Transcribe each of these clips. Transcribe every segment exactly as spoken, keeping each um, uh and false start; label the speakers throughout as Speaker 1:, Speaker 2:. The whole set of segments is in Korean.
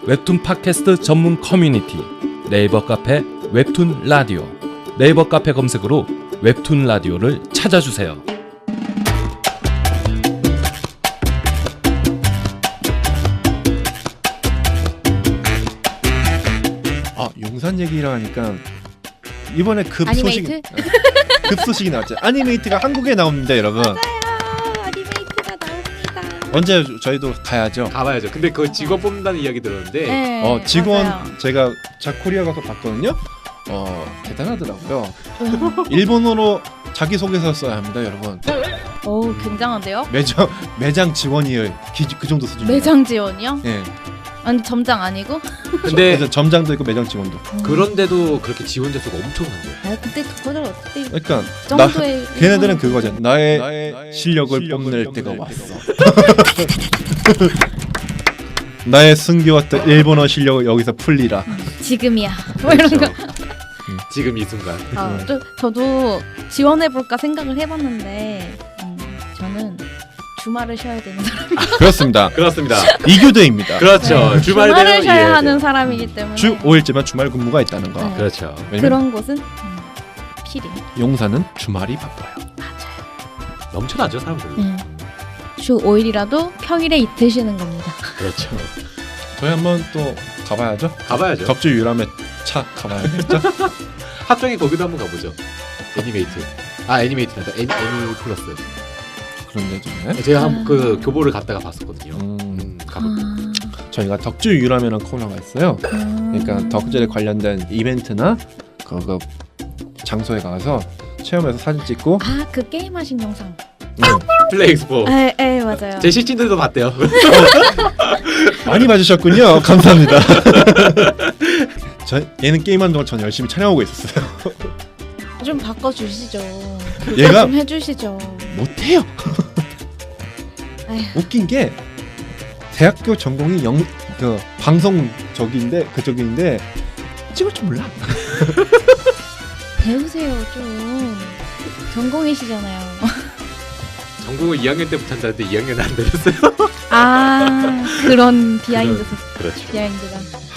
Speaker 1: 웹툰 팟캐스트 전문 커뮤니티 네이버 카페 웹툰 라디오. 네이버 카페 검색으로 웹툰 라디오를 찾아주세요.
Speaker 2: 아, 용산 얘기를 하니까 이번에 급
Speaker 3: 아니메이트?
Speaker 2: 소식 급 소식이 나왔죠. 아니메이트가 한국에 나옵니다, 여러분.
Speaker 3: 맞아요. 아니메이트가 나옵니다.
Speaker 2: 언제 저희도 가야죠.
Speaker 4: 가봐야죠. 근데 그 직원 뽑는다는 이야기 들었는데
Speaker 3: 네,
Speaker 2: 어, 직원
Speaker 3: 맞아요.
Speaker 2: 제가 자코리아 가서 봤거든요. 어, 대단하더라고요. 일본어로 자기소개서 써야 합니다, 여러분.
Speaker 3: 오, 굉장한데요?
Speaker 2: 매장 매장 직원이에요. 기, 그 정도 수준.
Speaker 3: 매장 지원이요?
Speaker 2: 예.
Speaker 3: 아니 점장 아니고?
Speaker 4: 근데
Speaker 2: 그래서 점장도 있고 매장 직원도.
Speaker 4: 그런데도 그렇게 지원자 수가 엄청난 거예요.
Speaker 3: 아 근데 그거를 어떻게
Speaker 2: 그러니까
Speaker 3: 그
Speaker 2: 나
Speaker 3: 정도의
Speaker 2: 걔네들은
Speaker 3: 일본-
Speaker 2: 그거죠. 나의, 나의 실력을, 실력을 뽐낼 때가 왔어. 나의 숨겨왔던 일본어 실력을 여기서 풀리라.
Speaker 3: 지금이야. 뭐 이런 거.
Speaker 4: 그렇죠. 지금 이 순간.
Speaker 3: 아, 저, 저도 지원해 볼까 생각을 해봤는데 음, 저는 주말을 쉬어야 되는 사람.
Speaker 2: 그렇습니다.
Speaker 4: 그렇습니다.
Speaker 2: 이교대입니다.
Speaker 4: 그렇죠.
Speaker 3: 네,
Speaker 4: 주말
Speaker 3: 주말을
Speaker 4: 되면
Speaker 3: 쉬어야
Speaker 4: 이해해야
Speaker 3: 하는
Speaker 4: 돼요.
Speaker 3: 사람이기 때문에
Speaker 2: 주 오 일째만 주말 근무가 있다는 거.
Speaker 3: 네.
Speaker 4: 그렇죠.
Speaker 2: 왜냐면
Speaker 3: 그런 곳은 음, 필히
Speaker 2: 용사는 주말이 바빠요.
Speaker 3: 맞아요.
Speaker 4: 넘쳐나죠 사람들.
Speaker 3: 음. 주 오 일이라도 평일에 이틀 쉬는 겁니다.
Speaker 4: 그렇죠.
Speaker 2: 저희 한번 또 가봐야죠.
Speaker 4: 가봐야죠.
Speaker 2: 덕주 유람의 차 가봐야겠죠.
Speaker 4: 합정에 거기도 한번 가보죠. 애니메이트. 아 애니메이트란다. 애니, 애니 플러스.
Speaker 2: 그런데 좀
Speaker 4: 제가 한 그 교보를 갔다가 봤었거든요.
Speaker 2: 음,
Speaker 4: 음, 가볼게요.
Speaker 3: 아,
Speaker 2: 저희가 덕주 유람이라는 코너가 있어요.
Speaker 3: 음.
Speaker 2: 그러니까 덕질에 관련된 이벤트나 그거 장소에 가서 체험해서 사진 찍고
Speaker 3: 아, 그 게임 하신 영상.
Speaker 2: 네.
Speaker 4: 플레이 엑스포.
Speaker 3: 에, 에, 맞아요.
Speaker 4: 제 시친들도 봤대요.
Speaker 2: 많이 봐주셨군요. 감사합니다. 저 얘는 게임하는 동안 전 열심히 촬영하고 있었어요.
Speaker 3: 좀 바꿔 주시죠.
Speaker 2: 얘가
Speaker 3: 좀 해주시죠.
Speaker 2: 못해요.
Speaker 3: 에휴.
Speaker 2: 웃긴 게 대학교 전공이 영 그 방송 적인데 그쪽인데 찍을 줄 몰라.
Speaker 3: 배우세요 좀. 전공이시잖아요.
Speaker 4: 전공을 이 학년 때부터 한다는데 이 학년 안 되었어요.
Speaker 3: 아, 그런 비하인드
Speaker 4: 그렇죠.
Speaker 3: 비하인드가.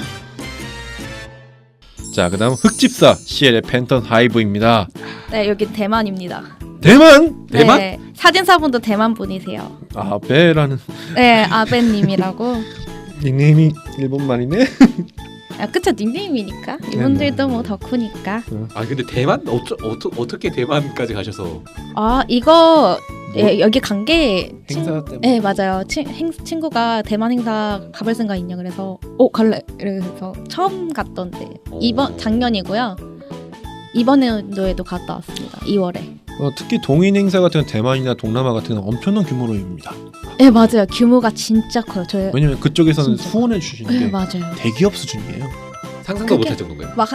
Speaker 2: 자, 그다음 흑집사 씨엘의 팬턴 하이브입니다.
Speaker 3: 네, 여기 대만입니다.
Speaker 2: 대만?
Speaker 4: 대만?
Speaker 3: 네, 사진사분도 대만 분이세요.
Speaker 2: 아베라는
Speaker 3: 네, 아벤님이라고.
Speaker 2: 닉네임이 일본 말이네.
Speaker 3: 아, 그쵸, 닉네임이니까. 이분들도 뭐 덕후니까.
Speaker 4: 아 근데 대만 어쩌, 어떠, 어떻게 대만까지 가셔서
Speaker 3: 아, 이거 예, 여기 간 게
Speaker 2: 행사 때문에.
Speaker 3: 네, 맞아요. 친, 행, 친구가 대만 행사 가볼 생각 있냐 그래서 어 갈래. 그래서 처음 갔던데 이번 작년이고요. 이번 연도에도 갔다 왔습니다. 이월에.
Speaker 2: 어, 특히 동인 행사 같은 대만이나 동남아 같은 건 엄청난 규모로 옵니다.
Speaker 3: 네, 맞아요. 규모가 진짜 커요. 저
Speaker 2: 왜냐면 그쪽에서는
Speaker 3: 진짜.
Speaker 2: 후원해 주시는
Speaker 3: 네,
Speaker 2: 게
Speaker 3: 맞아요.
Speaker 2: 대기업 수준이에요.
Speaker 4: 상상도
Speaker 3: 그게-
Speaker 4: 못할 정도인가요?
Speaker 3: 막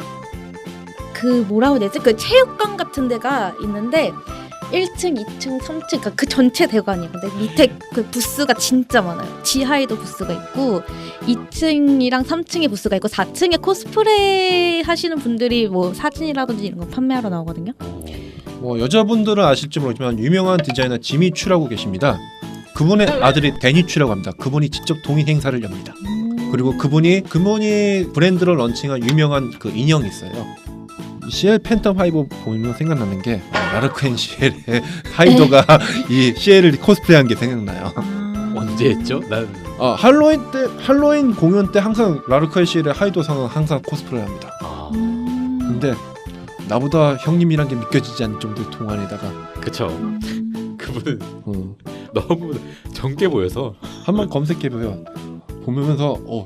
Speaker 3: 그 뭐라고 해야 되지? 그 체육관 같은 데가 있는데 일 층, 이 층, 삼 층 그러니까 그 전체 대관이에요. 근데 밑에 그 부스가 진짜 많아요. 지하에도 부스가 있고 이 층이랑 삼 층에 부스가 있고 사 층에 코스프레 하시는 분들이 뭐 사진이라든지 이런 거 판매하러 나오거든요.
Speaker 2: 뭐 여자분들은 아실지 모르지만 유명한 디자이너 지미 추라고 계십니다. 그분의 아들이 데니 추라고 합니다. 그분이 직접 동인 행사를 엽니다. 그리고 그분이 그분이 브랜드를 런칭한 유명한 그 인형이 있어요. 씨엘 팬텀 하이브 보면 생각나는 게 라르크앤 씨엘의 하이도가 이 씨엘을 코스프레한 게 생각나요.
Speaker 3: 아.
Speaker 4: 언제 했죠? 난
Speaker 2: 아, 할로윈 때 할로윈 공연 때 항상 라르크앤 씨엘의 하이도상은 항상 코스프레합니다.
Speaker 4: 아,
Speaker 3: 음.
Speaker 2: 근데 나보다 형님이란 게 믿겨지지 않을 정도의 동안에다가
Speaker 4: 그쵸.
Speaker 3: 음.
Speaker 4: 그분은
Speaker 2: 어,
Speaker 4: 너무 젊게 보여서
Speaker 2: 한번 검색해보요. 보면서 어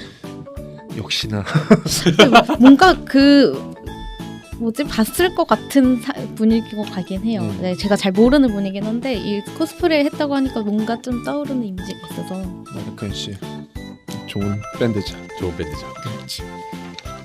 Speaker 2: 역시나
Speaker 3: 뭔가 그 뭐지 봤을 것 같은 사, 분위기고 가긴 해요.
Speaker 2: 음.
Speaker 3: 네, 제가 잘 모르는 분이긴 한데 이 코스프레 했다고 하니까 뭔가 좀 떠오르는 이미지가 있어서.
Speaker 2: 라르크앤 씨 좋은 밴드죠.
Speaker 4: 좋은 밴드죠.
Speaker 3: 그렇지.